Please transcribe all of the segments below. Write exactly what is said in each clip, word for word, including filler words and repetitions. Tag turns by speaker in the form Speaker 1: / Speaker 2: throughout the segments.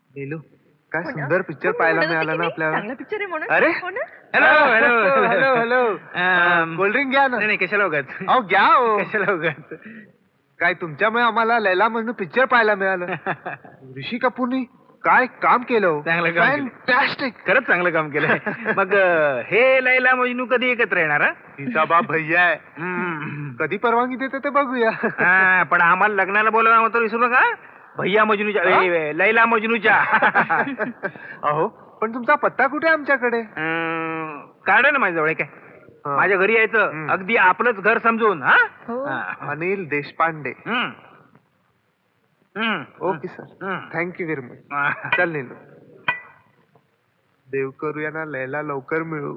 Speaker 1: नीलू काय सुंदर पिक्चर पाहायला मिळाला ना आपल्याला.
Speaker 2: चांगला पिक्चर आहे म्हणून.
Speaker 1: अरे
Speaker 3: hello hello
Speaker 1: hello hello cold drink घ्या ना.
Speaker 3: नाही नाही, कशाला उगाच
Speaker 1: अहो घ्या हो.
Speaker 3: कशाला उगाच
Speaker 1: काय तुमच्यामुळे आम्हाला लैला मजनू पिक्चर पाहायला मिळालं. ऋषी कपूरनी काय काम केलं हो.
Speaker 3: चांगलं काम केलं.
Speaker 1: फॅन्टॅस्टिक.
Speaker 3: खरंच चांगलं काम केलंय. मग अं, हे लैला मजनू कधी एकत्र येणार हा?
Speaker 1: तिचा बाप भैया आहे.
Speaker 3: हम्म.
Speaker 1: कधी परवानगी देते ते बघूया.
Speaker 3: हा, पण आम्हाला लग्नाला बोलवणार होतं विसरू नका. भैया मजनूच्या
Speaker 1: हा?
Speaker 3: ए, लैला मजनूच्या.
Speaker 1: अहो पण तुमचा पत्ता कुठे आहे आमच्याकडे.
Speaker 3: अं, कार्ड आहे ना माझ्याजवळ. काय
Speaker 1: हा.
Speaker 3: माझ्या घरी यायचं
Speaker 1: हम्म.
Speaker 3: अगदी आपलंच घर समजून. हा
Speaker 2: हो.
Speaker 3: हा.
Speaker 1: अनिल देशपांडे.
Speaker 3: हम्म. हम्म.
Speaker 1: Okay sir
Speaker 3: hmm.
Speaker 1: Thank you very much.
Speaker 3: हा.
Speaker 1: चल नीलू देव करूया ना लैला लवकर मिळू.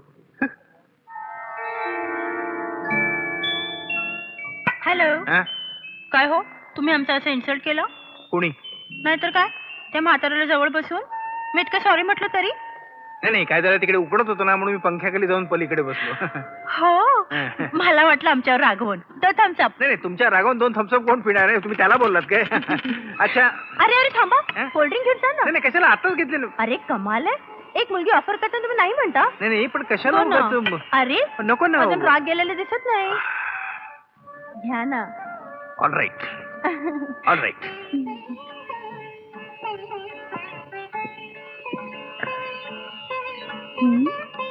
Speaker 2: हॅलो.
Speaker 3: हा?
Speaker 2: काय हो तुम्ही आमचा असं इन्सल्ट केलं.
Speaker 3: कोणी?
Speaker 2: नाहीतर काय त्या म्हाताऱ्याला जवळ बसून मी इतकं सॉरी म्हटलं तरी.
Speaker 3: नाही नाही, काय झालं तिकडे उकडत होतो ना, म्हणून मी पंख्याखाली जाऊन पलीकडे बसलो.
Speaker 2: हो मला वाटलं आमच्यावर रागवण तर थांबचा.
Speaker 3: नाही नाही, तुमच्या रागावून दोन थम्सअप कोण पिणार आहे? तुम्ही त्याला बोललात काय? अच्छा.
Speaker 2: अरे अरे थांबा
Speaker 3: हं?
Speaker 2: कोल्ड्रिंक घेऊन जा ना.
Speaker 3: नाही नाही, कशाला आताच घेतले ना.
Speaker 2: अरे कमाल आहे एक मुलगी ऑफर करताना तुम्ही नाही म्हणता.
Speaker 3: नाही नाही, पण कशाला
Speaker 2: हो ना.
Speaker 3: उगाच?
Speaker 2: अरे
Speaker 3: नको ना.
Speaker 2: अजून राग गेलेले दिसत नाही. घ्या ना.
Speaker 3: All right all right.
Speaker 2: हं?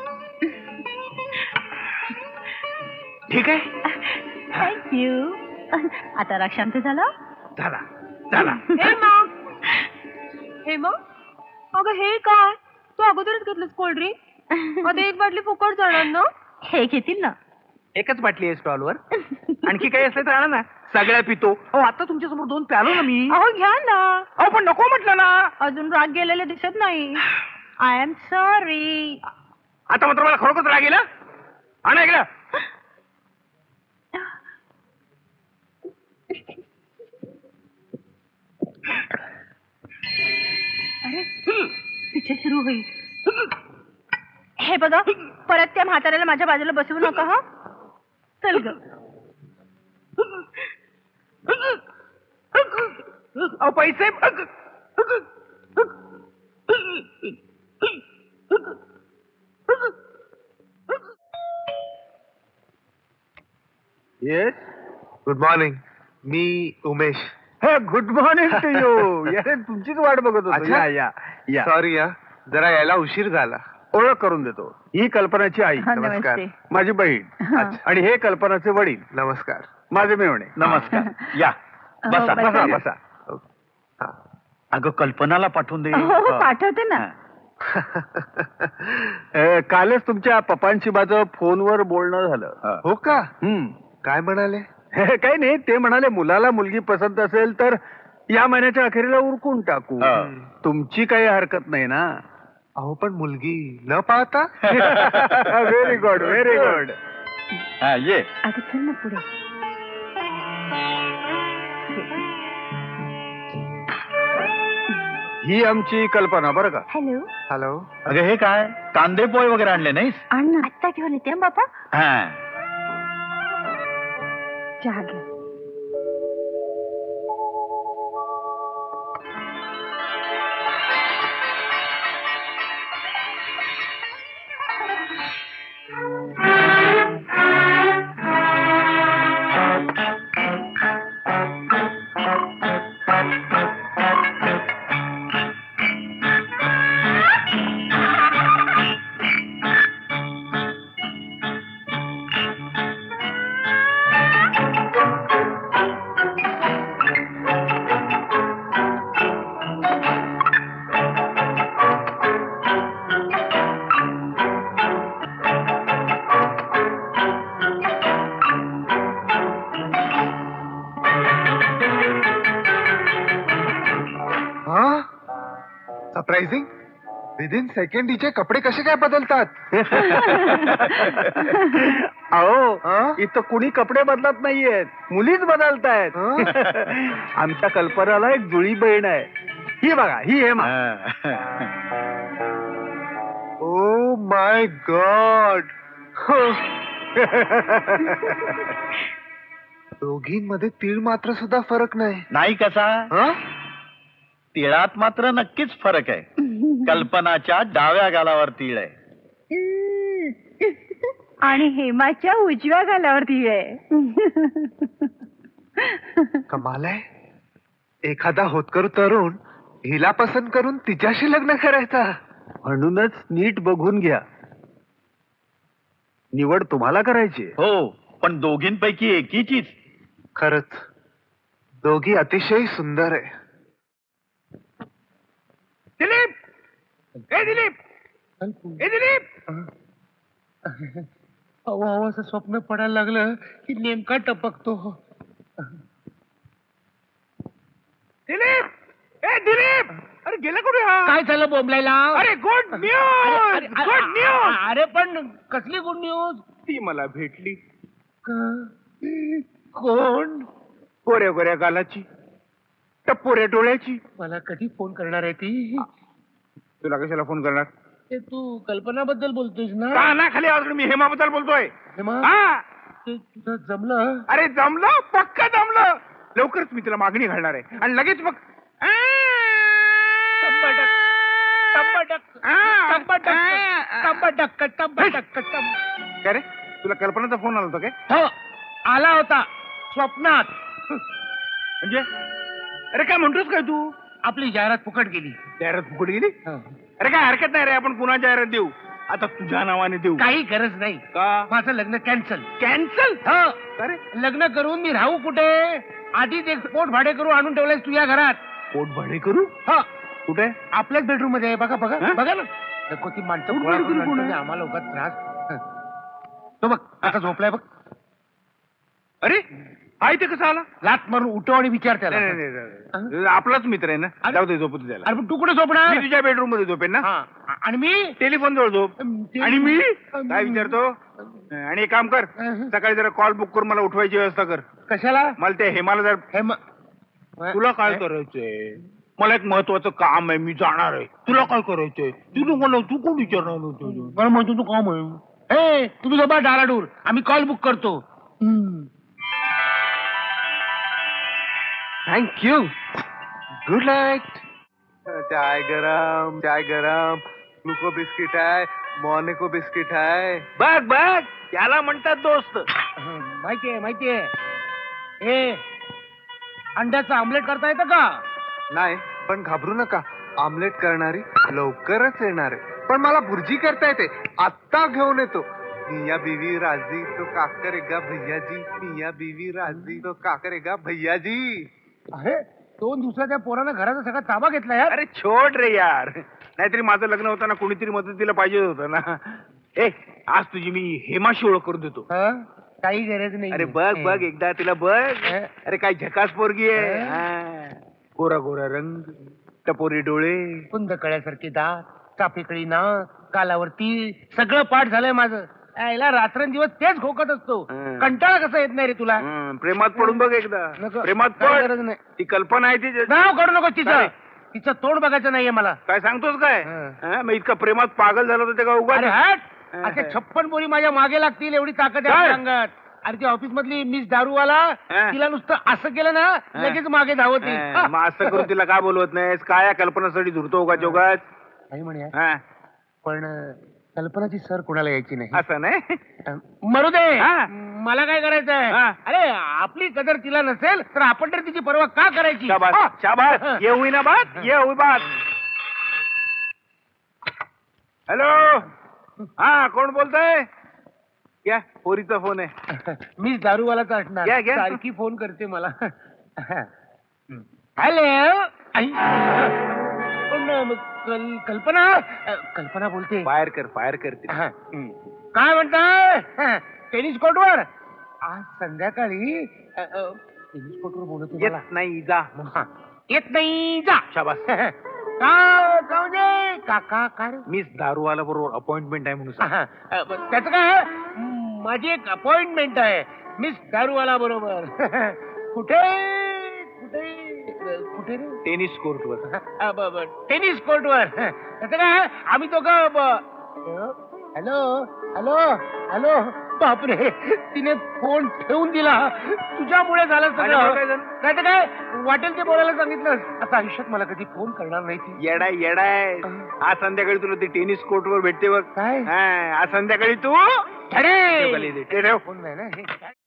Speaker 3: ठीक आहे.
Speaker 2: थँक्यू. आता राग शांत झाला.
Speaker 3: झाला झाला.
Speaker 2: हे मग हे मग अगं हे काय तू अगोदरच घेतलंस कोल्ड्रिंक. आता एक बाटली फुकट जाणार ना. हे घेतील ना.
Speaker 3: एकच बाटली आहे स्टॉलवर. आणखी काही असलं तर आणा ना. सगळ्या पितो. हो आता तुमच्या समोर दोन प्यालो ना मी.
Speaker 2: अहो घ्या ना.
Speaker 3: अहो पण नको म्हटलं ना.
Speaker 2: अजून राग गेलेले दिसत नाही. I am sorry.
Speaker 3: आता मात्र मला खरोखरच राग येईल. आणा ऐकलं.
Speaker 2: अरे पिक्चर सुरू होईल. हे बघा परत त्या म्हाताऱ्याला माझ्या बाजूला बसवू नका हा. चल ग.
Speaker 3: अहो पैसे.
Speaker 1: Yes good morning. मी Umesh.
Speaker 3: Good morning to you. यार तुमचीच वाट बघत होतो.
Speaker 1: अच्छा.
Speaker 3: या या या.
Speaker 1: सॉरी या जरा यायला उशीर झाला.
Speaker 3: ओळख करून देतो. ही कल्पनाची आई,
Speaker 2: हा,
Speaker 1: नमस्कार.
Speaker 2: नमस्ते.
Speaker 3: माझी बहीण.
Speaker 2: हा.
Speaker 3: आणि हे कल्पनाचे वडील,
Speaker 1: नमस्कार.
Speaker 3: माझे मेवणे. नमस्कार. या
Speaker 2: हो,
Speaker 3: बसा
Speaker 2: बसा.
Speaker 3: बसा बसा.
Speaker 1: हा.
Speaker 3: अगं कल्पनाला पाठवून दे.
Speaker 2: हो, हो, पाठवते ना.
Speaker 3: अ, कालच तुमच्या पप्पांशी माझं फोनवर बोलणं झालं.
Speaker 1: हो का
Speaker 3: हम्म.
Speaker 1: काय म्हणाले.
Speaker 3: काही नाही, ते म्हणाले मुलाला मुलगी पसंत असेल तर या महिन्याच्या अखेरीला उरकून टाकू. तुमची काही हरकत नाही ना.
Speaker 1: अहो पण मुलगी न पाहता.
Speaker 3: Very good very good. ये.
Speaker 2: अगं चल ना पुढे.
Speaker 3: ही आमची कल्पना बरं का.
Speaker 2: हॅलो.
Speaker 1: हॅलो.
Speaker 3: अगं हे काय कांदे पोहे वगैरे आणले नाहीस?
Speaker 2: आण ना आत्ता घेऊन येते हं, बाबा.
Speaker 3: हा.
Speaker 2: चहा घ्या.
Speaker 1: सरप्राइझिंग. विदिन सेकंड हिचे कपडे कसे काय बदलतात.
Speaker 3: अहो
Speaker 1: हा?
Speaker 3: इथं कुणी कपडे बदलत नाहीयेत, मुलीच बदलतायत.
Speaker 1: हा?
Speaker 3: आमच्या कल्पनाला एक जुळी बहीण आहे. ही बघा ही हेमा.
Speaker 1: Oh my God. दोघींमध्ये तीळ मात्र सुद्धा फरक नाही.
Speaker 3: नाही कसा.
Speaker 1: हा?
Speaker 4: तिळात मात्र नक्कीच फरक आहे. कल्पनाच्या डाव्या गालावर तीळ आहे.
Speaker 5: आणि हेमाच्या उजव्या गालावरती आहे.
Speaker 1: कमाल आहे. एखादा होतकरू तरुण हिला पसंत करून तिच्याशी लग्न करायचा.
Speaker 3: म्हणूनच नीट बघून घ्या. निवड तुम्हाला करायची आहे.
Speaker 4: हो, पण दोघींपैकी एकीचीच.
Speaker 1: खरंच दोघी अतिशय सुंदर आहे.
Speaker 3: दिलीप ए दिलीप ए दिलीप अहो अहो असं स्वप्न पडायला लागलं की नेमका टपकतो. दिलीप ए दिलीप अरे गेला कुठे हा?
Speaker 6: काय झालं बोंबलायला?
Speaker 3: अरे गुड न्यूज गुड न्यूज.
Speaker 6: अरे पण कसली गुड न्यूज?
Speaker 3: ती मला भेटली. कोण? गोऱ्या गोऱ्या गालाची टपोऱ्या डोळ्याची.
Speaker 6: मला कधी फोन करणार आहे ती?
Speaker 3: तुला कशाला फोन करणार?
Speaker 6: ते तू कल्पनाबद्दल बोलतोयस ना?
Speaker 3: काना खाली आवाज मी हेमाबद्दल बोलतोय.
Speaker 6: हेमा,
Speaker 3: हा
Speaker 6: ते तुझं जमलं?
Speaker 3: अरे जमलं पक्का जमलं. लवकरच मी तिला मागणी घालणार आहे आणि लगेच मग
Speaker 6: टंबटक, टंबटक, टंबटक, टंबटक, टंबटक, टंब-
Speaker 3: काय रे तुला कल्पनाचा फोन आला होता काय?
Speaker 6: हो, आला होता स्वप्नात.
Speaker 3: म्हणजे अरे काय म्हणतोस काय तू?
Speaker 6: आपली जाहिरात फुकट गेली.
Speaker 3: जाहिरात फुकट गेली? अरे काय हरकत नाही रे, आपण पुन्हा जाहिरात देऊ. आता तुझ्या नावाने देऊ.
Speaker 6: काही गरज नाही.
Speaker 3: का?
Speaker 6: माझं लग्न कॅन्सल.
Speaker 3: कॅन्सल?
Speaker 6: हो,
Speaker 3: अरे
Speaker 6: लग्न करून मी राहू कुठे? आधीच एक पोट भाडे करू आणून ठेवलंयस तुझ्या घरात.
Speaker 3: पोट भाडे करू?
Speaker 6: हा,
Speaker 3: कुठे?
Speaker 6: आपल्याच बेडरूम मध्ये आहे. बघा बघा
Speaker 3: हा?
Speaker 6: बघा ना. नको ती माणसं
Speaker 3: पोट
Speaker 6: गोळा
Speaker 3: भाडे
Speaker 6: करून
Speaker 3: करू कोण
Speaker 6: आणतो
Speaker 3: आहे?
Speaker 6: ना, आम्हाला उगाच त्रास. तो बघ आता झोपलाय बघ.
Speaker 3: अरे हा इथे कसा आला?
Speaker 6: लात मारून उठव आणि विचार त्याला.
Speaker 3: नाही, नाही, नाही, नाही. आपलाच मित्र आहे ना.
Speaker 6: अरे-
Speaker 3: जाऊ दे झोपू दे त्याला.
Speaker 6: अरे पण तू कुठे झोपणार?
Speaker 3: मी तुझ्या बेडरूम मध्ये झोपेन ना.
Speaker 6: हा, आणि मी
Speaker 3: टेलिफोन जवळ झोप.
Speaker 6: ते-
Speaker 3: आणि मी
Speaker 6: अम,
Speaker 3: काय विचारतो? आणि एक काम कर,
Speaker 6: अहं.
Speaker 3: सकाळी जरा कॉल बुक करून मला उठवायची व्यवस्था कर.
Speaker 6: कशाला?
Speaker 3: मला ते हेमाला जर
Speaker 6: हे म-
Speaker 3: तुला काय करायचंय? मला एक महत्वाचं काम आहे, मी जाणार आहे. तुला काय करायचंय? तू मला तू कोण विचारणार होतं?
Speaker 6: मला म्हणतो तू काम आहे. ए तुम्ही झोपा डाराडूर, आम्ही कॉल बुक करतो.
Speaker 1: थँक्यू. Good night. चाय गरम चाय गरम. ग्लुको बिस्किट आहे, मॉर्निको बिस्किट आहे.
Speaker 3: बघ बघ त्याला म्हणतात दोस्त.
Speaker 6: माहितीये माहितीये. ए अंड्याचं आमलेट करता येतं का?
Speaker 1: नाही पण घाबरू नका, आमलेट करणारी लवकरच येणार आहे. पण मला भुर्जी करता येते, आत्ता घेऊन येतो. मिया बीवी राजी तो का करेगा भैयाजी. मिया बीवी राजी तो का करेगा भैयाजी.
Speaker 6: अरे दोन दिवसाच्या पोरानं घराचा सगळा ताबा घेतला यार.
Speaker 3: अरे छोड रे यार, नाहीतरी माझं लग्न होताना कोणीतरी मदतीला पाहिजे होतं ना. ए आज तुझी मी हेमाशी ओळख करून देतो.
Speaker 6: हं? काही गरज नाही.
Speaker 3: अरे बघ बघ एकदा तिला बघ.
Speaker 6: हं?
Speaker 3: अरे काय झकास पोरगी आहे.
Speaker 6: हं?
Speaker 3: हा. गोरा गोरा रंग, टपोरी डोळे.
Speaker 6: कुंद कळ्यासारखी दात, चाफेकळी नाक, कालावरती सगळं पाठ झालंय माझं. याला रात्रंदिवस तेच खोकत असतो.
Speaker 3: हं.
Speaker 6: कंटाळा कसा येत नाही रे तुला?
Speaker 3: हं, प्रेमात पडून बघ एकदा.
Speaker 6: नको.
Speaker 3: प्रेमात
Speaker 6: काय
Speaker 3: पड.
Speaker 6: गरज नाही.
Speaker 3: ती कल्पना आहे ती.
Speaker 6: नाव काढू नको तिचं.
Speaker 3: काय?
Speaker 6: तिचं तोंड बघायचं नाहीये मला.
Speaker 3: काय सांगतोस काय?
Speaker 6: हं.
Speaker 3: हं, मग इतका प्रेमात पागल झाला होता ते का उगाच?
Speaker 6: अरे हट.
Speaker 3: हं.
Speaker 6: असे छप्पन बोरी माझ्या मागे लागतील एवढी ताकद आहे
Speaker 3: काय?
Speaker 6: आपल्या अंगात. अरे ती ऑफिस मधली मिस दारूवाला,
Speaker 3: हं.
Speaker 6: तिला नुसतं असं केलं ना
Speaker 3: हं.
Speaker 6: लगेच मागे धावती.
Speaker 3: हं, मग असं करून तिला काय बोलवत नाहीस? काय या कल्पनासाठी झुरतो उगाच उगाच?
Speaker 6: नाही म्हणे
Speaker 3: हं,
Speaker 6: पण अं, कल्पनाची सर कोणाला यायची नाही.
Speaker 3: असं नाही.
Speaker 6: अं, मरू दे.
Speaker 3: हा.
Speaker 6: मला काय करायचंय?
Speaker 3: हा.
Speaker 6: अरे आपली कदर तिला नसेल तर आपण तर तिची पर्वा का करायची?
Speaker 3: शाबास
Speaker 6: हा.
Speaker 3: शाबास. ये हुई ना बात, ये हुई बात. हॅलो. हा कोण बोलतोय? घ्या पोरीचा फोन आहे.
Speaker 6: मीच दारूवालाच असणार.
Speaker 3: घ्या, घ्या.
Speaker 6: सारखी फोन करते मला. हॅलो. आई. पण अं, कल- कल्पना अं, कल्पना बोलते.
Speaker 3: फायर कर फायर कर ती.
Speaker 6: हा.
Speaker 3: हं.
Speaker 6: काय म्हणताय? टेनिस कोर्टवर आज संध्याकाळी अ, अ, टेनिस कोर्टवर बोलत
Speaker 3: येत
Speaker 6: मला.
Speaker 3: नाही जा.
Speaker 6: हा. येत नाही जा.
Speaker 3: शाबास.
Speaker 6: का का म्हणजे का का का रे?
Speaker 3: मीच दारूवाला बरोबर अपॉइंटमेंट आहे म्हणून सांग.
Speaker 6: हा, अ, ब- त्याचं काय? म, माझी एक अपॉइंटमेंट आहे मिस दारूवाला बरोबर. कुठे कुठे कुठे रे?
Speaker 3: टेनिस कोर्टवर.
Speaker 6: अ, ब- ब- टेनिस कोर्टवर. त्याचं काय? आम्ही दोघं ब- हॅलो हॅलो हॅलो बापरे तिने फोन ठेवून दिला. तुझ्यामुळे झालं
Speaker 3: माझ्यामुळे
Speaker 6: सगळं.
Speaker 3: काय झालं?
Speaker 6: नाही तर काय वाटेल ते बोलायला सांगितलं. आता आयुष्यात मला कधी फोन करणार नाही ती.
Speaker 3: येडाय येडाय आज संध्याकाळी तुला ते टेनिस कोर्ट वर भेटते बघ.
Speaker 6: काय?
Speaker 3: हा, आज संध्याकाळी तू
Speaker 6: अरे
Speaker 3: ते ठेव.
Speaker 6: फोन नाही ना हे काय?